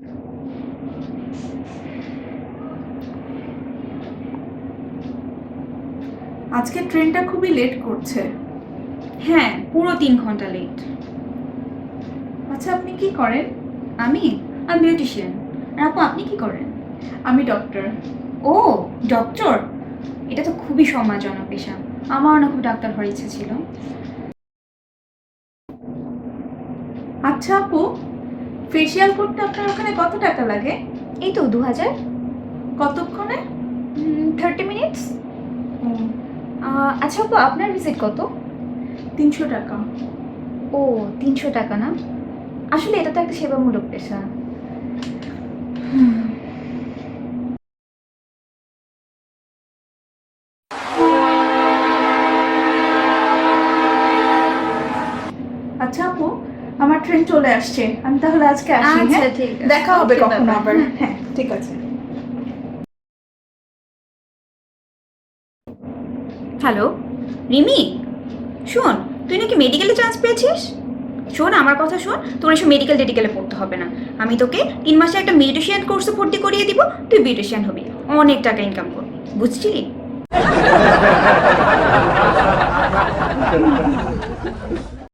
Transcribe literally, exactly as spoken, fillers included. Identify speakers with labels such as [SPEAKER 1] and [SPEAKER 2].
[SPEAKER 1] আজকে ট্রেনটা খুবই লেট করছে।
[SPEAKER 2] হ্যাঁ, পুরো তিন ঘন্টা লেট।
[SPEAKER 1] আচ্ছা, আপনি কি করেন?
[SPEAKER 2] আমি আমি বিউটিশিয়ান। আর আপু, আপনি কি করেন?
[SPEAKER 1] আমি ডক্টর।
[SPEAKER 2] ও, ডক্টর! এটা তো খুবই সম্মানজনক পেশা। আমারও না খুব ডাক্তার হওয়ার ইচ্ছে ছিল।
[SPEAKER 1] আচ্ছা আপু, ফেসিয়াল করতে আপনার ওখানে কত টাকা লাগে?
[SPEAKER 2] এই তো দু হাজার।
[SPEAKER 1] কতক্ষণে?
[SPEAKER 2] Thirty minutes. আচ্ছা আপু, আপনার ভিজিট কত?
[SPEAKER 1] তিনশো টাকা।
[SPEAKER 2] ও, তিনশো টাকা না? আসলে এটা তো একটা সেবামূলক পেশা।
[SPEAKER 1] আচ্ছা আপু, আমার ট্রেন চলে আসছে, আমি তাহলে আজকে আসি।
[SPEAKER 2] আচ্ছা,
[SPEAKER 1] হ্যাঁ,
[SPEAKER 2] ঠিক আছে।
[SPEAKER 1] দেখা হবে
[SPEAKER 2] Okay,
[SPEAKER 1] কখনো
[SPEAKER 2] bye-bye.
[SPEAKER 1] আবার।
[SPEAKER 2] হ্যাঁ।
[SPEAKER 1] হ্যাঁ, ঠিক আছে।
[SPEAKER 2] হ্যালো রিমি, শোন, তুই নাকি মেডিকেলে চান্স পেয়েছিস। শোন, আমার কথা শোন, তোর এসব মেডিকেল টেডিকেলে পড়তে হবে না। আমি তোকে তিন মাসে একটা বিউটিশিয়ান কোর্সে ভর্তি করিয়ে দিব, তুই বিউটিশিয়ান হবি, অনেক টাকা ইনকাম করবি, বুঝছিলি?